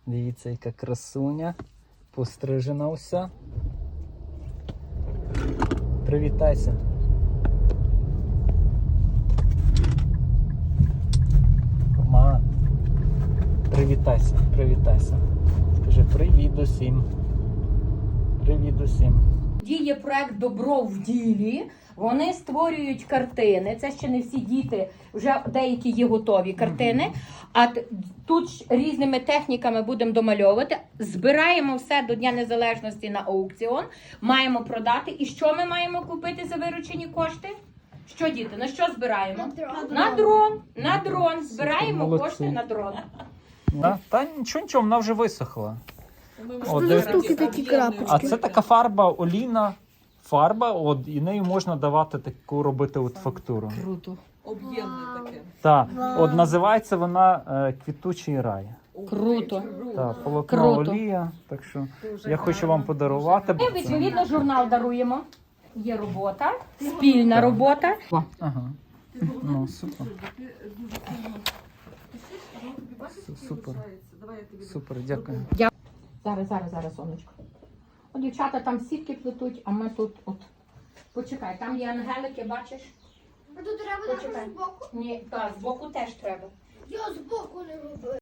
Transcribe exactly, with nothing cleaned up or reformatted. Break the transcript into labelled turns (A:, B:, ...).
A: Дивіться, яка красуня. Пострижена вся. Привітайся. Ма, привітайся, привітайся. Скажи привіт усім. Привіт усім.
B: Діє проект «Добро в ділі». Вони створюють картини. Це ще не всі діти, вже деякі є готові картини. А т- тут ж різними техніками будемо домальовувати. Збираємо все до Дня Незалежності на аукціон. Маємо продати. І що ми маємо купити за виручені кошти? Що, діти, на що збираємо? На дрон. На дрон. Збираємо
A: Молодці.
B: кошти на дрон.
A: Да? Та нічого, нічого, вона вже висохла. О,
C: Що за
A: дивись.
C: штуки такі крапочки?
A: А це така фарба, олійна фарба, от, і нею можна давати таку робити от фактуру.
B: Круто.
D: Об'ємне таке.
A: Так,
C: Вау.
A: от називається вона е, квітучий рай.
B: Круто.
A: Так, полотно
B: Круто.
A: олія, так що я хочу вам подарувати.
B: Ми, відповідно, журнал даруємо. Є робота, спільна робота.
A: Ага. Ну, супер. Су- Супер. Супер, дякую.
B: Зараз, зараз, зараз, сонечко. О, дівчата там сітки плетуть, а ми тут от. Почекай, там є ангелики, бачиш?
C: А тут треба
B: Почекай.
C: якось збоку?
B: Ні, так, збоку теж треба.
C: Я збоку не роблю.